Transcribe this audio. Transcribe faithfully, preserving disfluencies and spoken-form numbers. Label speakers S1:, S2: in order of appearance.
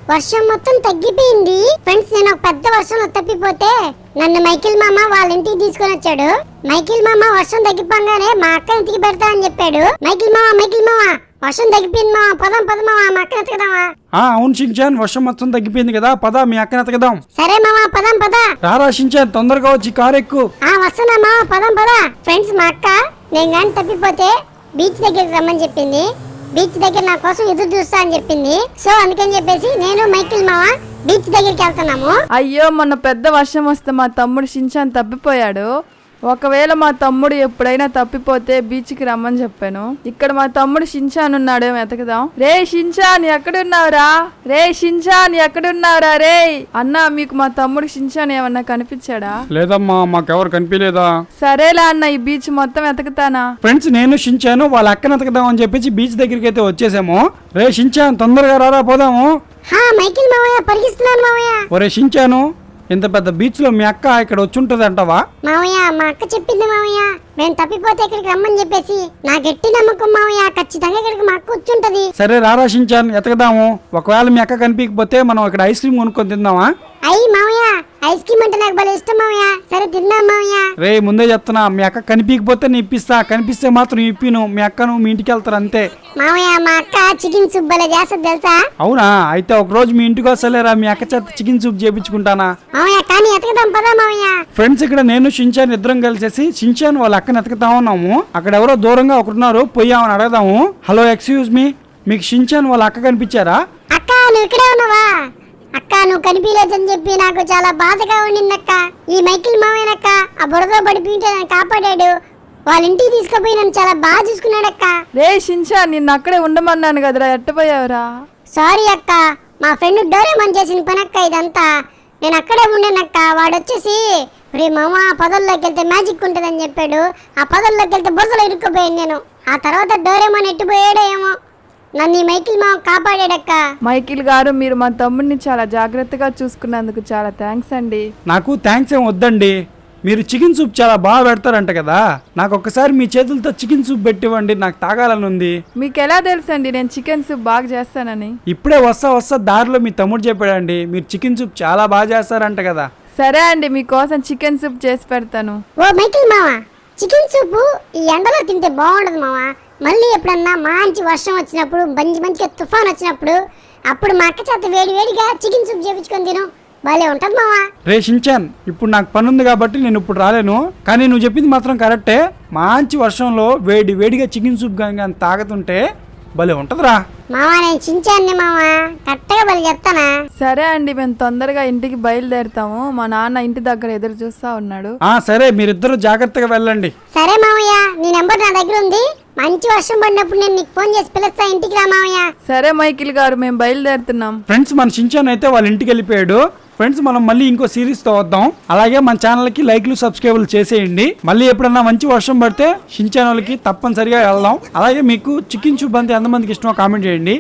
S1: వర్షం మొత్తం తగ్గిపోయింది ఫ్రెండ్స్. నేను ఒక పెద్ద వర్షంలో తప్పిపోతే నన్ను మైకిల్ మామ వాళ్ళ ఇంటికి తీసుకొని వచ్చాడు. మైకిల్ మామ వర్షం తగ్గిపోగానే మా అక్క ఇంటికి పెడతా అని చెప్పాడు. మైకిల్ మామ మైకిల్ మామ వర్షం తగ్గిపోయింది మామ, పదం పద మామ, మా అక్కని ఎతకదామా?
S2: ఆ అవును షించాన్, వర్షం మొత్తం తగ్గిపోయింది కదా, పద మీ అక్కని ఎతకదాం.
S1: సరే మామ పదం పద.
S2: రారా షించాన్, తొందరగా వచ్చి కారు ఎక్కు.
S1: ఆ వస్తున్నా మామ, పదం పద. ఫ్రెండ్స్ మా అక్క నేను కానీ తప్పిపోతే బీచ్ దగ్గరికి రమ్మని చెప్పింది. బీచ్ దగ్గర నా కోసం ఎదురు చూస్తా అని చెప్పింది. సో అందుకని చెప్పేసి నేను మైకిల్ మామ బీచ్ దగ్గరికి వెళ్తున్నాము.
S3: అయ్యో మొన్న పెద్ద వర్షం వస్తే మా తమ్ముడు షించాన్ తప్పిపోయాడు. ఒకవేళ మా తమ్ముడు ఎప్పుడైనా తప్పిపోతే బీచ్కి రమ్మని చెప్పాను. ఇక్కడ మా తమ్ముడు షించాన్ ఉన్నాడేమో వెతకదాం. రే షించాన్ ఎక్కడున్నావురా? రే షించాన్ ఎక్కడున్నావురా? రే అన్నా, మీకు మా తమ్ముడు షించాన్ ఏమన్నా కనిపించాడా?
S2: లేదమ్మా, మాకెవరు కనిపించలేదా.
S3: సరేలా అన్న, ఈ బీచ్ మొత్తం వెతకతానా?
S2: ఫ్రెండ్స్ నేను షించాను వాళ్ళ అక్కని ఎతకదాం అని చెప్పేసి బీచ్ దగ్గరికి అయితే వచ్చేసాము. రే షించాన్ తొందరగా రారా పోదాము.
S1: హా మైకిల్ మామయ్య పరిగిస్తున్నాను మామయ్య.
S2: ఒరే షించాను, ఇంత పెద్ద బీచ్ లో మీ అక్క ఇక్కడ వచ్చి ఉంటది అంటావా?
S1: మామయ్య మా అక్క చెప్పింది మామయ్య, నేను తప్పిపోతే ఇక్కడికి రమ్మని చెప్పేసి. నా గట్టి నమ్మకం మామయ్య, ఖచ్చితంగా ఇక్కడికి మా అక్క వచ్చుంటది.
S2: సరే రారా షించాన్ ఎతకదాము. ఒకవేళ మీ అక్క కనిపించకపోతే మనం ఇక్కడ ఐస్ క్రీమ్ కొనుక్కొని తిందామా?
S1: అయ్యి మామయ్య ఐస్ క్రీమ్ అంటే నాకు భలే ఇష్టం మామయ్య. సరే తిందాం మామయ్య.
S2: రే ముందే చెప్తున్నా, మీ అక్క కనిపించకపోతే నేను ఇప్పిస్తా, కనిపిస్తే మాత్రం ఇప్పిను. మీ అక్కను మీ ఇంటికి వెళ్తారు అంతే.
S1: మామయ్య మా అక్క చికెన్ సూప్ భలే చేస్తుంది తెలుసా?
S2: అవునా, అయితే ఒక రోజు మీ ఇంటికి వస్తలేరా, మీ అక్క చేత చికెన్ సూప్ చేపించుకుంటానా?
S1: మామయ్య కానీ ఎతకదాం పదా మామయ్య.
S2: ఫ్రెండ్స్ ఇక్కడ నేను షించాన్ ఇద్దరం కలిసేసి షించాన్ వాళ్ళ అక్కని ఎతకతా ఉన్నాము. అక్కడ ఎవరో దూరంగా ఒకరున్నారు, పోయామని అడగదాము. హలో ఎక్స్క్యూజ్ మీ, మీకు షించాన్ వాళ్ళ అక్క కనిపించారా?
S1: అక్క నువ్వు ఇక్కడే ఉన్నావా? అక్క నువ్వు కనిపించలేదని చెప్పి నాకు చాలా బాధగా ఉండిందక్క. ఈ మైకిల్ మామయ్యనక్క ఆ బురదలో పడిపోయింటే నన్ను కాపాడాడు. వాళ్ళ ఇంటికి తీసుకుపోయి నన్ను చాలా బాగా చూసుకున్నాడక్క.
S3: రే షించాన్, నిన్ను అక్కడే ఉండమన్నాను కదరా, ఎట్టపోయావురా?
S1: సారీ అక్క, మా ఫ్రెండ్ డోరేమన్ చేసిన పని అక్క ఇదంతా. నేను అక్కడే ఉండేనక్క. వాడు వచ్చేసి రే మామ పదల్లోకి వెళ్తే మ్యాజిక్ ఉంటుందని చెప్పాడు. ఆ పదల్లోకి వెళ్తే బురదలో ఇరుక్కుపోయాను నేను. ఆ తర్వాత డోరేమన్ ఎట్టిపోయాడో ఏమో, నన్ను ఈ మైకిల్ మామ కాపాడాడక్క.
S3: మైకిల్ గారు, మీరు మా తమ్ముడిని చాలా జాగ్రత్తగా చూసుకున్నందుకు చాలా థ్యాంక్స్ అండి.
S2: నాకు థ్యాంక్స్ ఏం వద్దండి, మీరు చికెన్ సూప్ చాలా బాగా పెడతారంట కదా, నాకు ఒక్కసారి మీ చేతులతో చికెన్ సూప్ పెట్టివ్వండి, నాకు తాగాలని ఉంది.
S3: మీకు ఎలా తెలుసు అండి నేను చికెన్ సూప్ బాగా చేస్తానని?
S2: ఇప్పుడే వస్తా వస్తా దారిలో మీ తమ్ముడు చెప్పాడండి, మీరు చికెన్ సూప్ చాలా బాగా చేస్తారంట కదా.
S3: సరే అండి, మీకోసం చికెన్ సూప్ చేసి పెడతాను.
S1: ఓ మైకిల్ మామ, చికెన్ సూపు ఈ ఎండలో తింటే బాగుండదు మామ. మళ్ళీ ఎప్పుడన్నా మంచి వర్షం వచ్చినప్పుడు, మంచి మంచిగా తుఫాన్ వచ్చినప్పుడు, అప్పుడు మా అక్క చేత వేడి వేడిగా చికెన్ సూప్ చేపించుకొని తిను, భలే ఉంటది మామ.
S2: రే షించాన్, ఇప్పుడు నాకు పని ఉంది కాబట్టి నేను ఇప్పుడు రాలేను, కానీ నువ్వు చెప్పింది మాత్రం కరెక్టే. మంచి వర్షంలో వేడి వేడిగా చికెన్ సూప్ కానీ తాగుతుంటే భలే ఉంటదిరా.
S1: మామ నేను చించాన్ని మామ, కరెక్ట్గా భలే చెప్తానా?
S3: సరే అండి, మేము తొందరగా ఇంటికి బయలుదేరుతాము. మా నాన్న ఇంటి దగ్గర ఎదురు చూస్తా ఉన్నాడు.
S2: ఆ సరే, మీరిద్దరు జాగ్రత్తగా వెళ్ళండి.
S1: సరే మామయ్య, నీ నెంబర్ నా దగ్గర ఉంది. మంచి వర్షం పడినప్పుడు నేను నీకు ఫోన్ చేసి పిలుస్తా, ఇంటికి రా మామయ్య.
S3: సరే మైకిల్ గారు, మేము బయలుదేరుతున్నాం.
S2: ఫ్రెండ్స్ మన షించాన్ అయితే వాళ్ళ ఇంటికి వెళ్ళిపోయాడు. ఫ్రెండ్స్ మనం మళ్ళీ ఇంకో సిరీస్ తో వద్దాం. అలాగే మన ఛానల్ కి లైక్లు సబ్స్క్రైబ్లు చేసేయండి. మళ్ళీ ఎప్పుడన్నా మంచి వర్షం పడితే షించాన్ వాళ్ళకి తప్పనిసరిగా వెళ్దాం. అలాగే మీకు చికెన్ సూప్ అంటే ఎంతమందికి ఇష్టమో కామెంట్ చేయండి.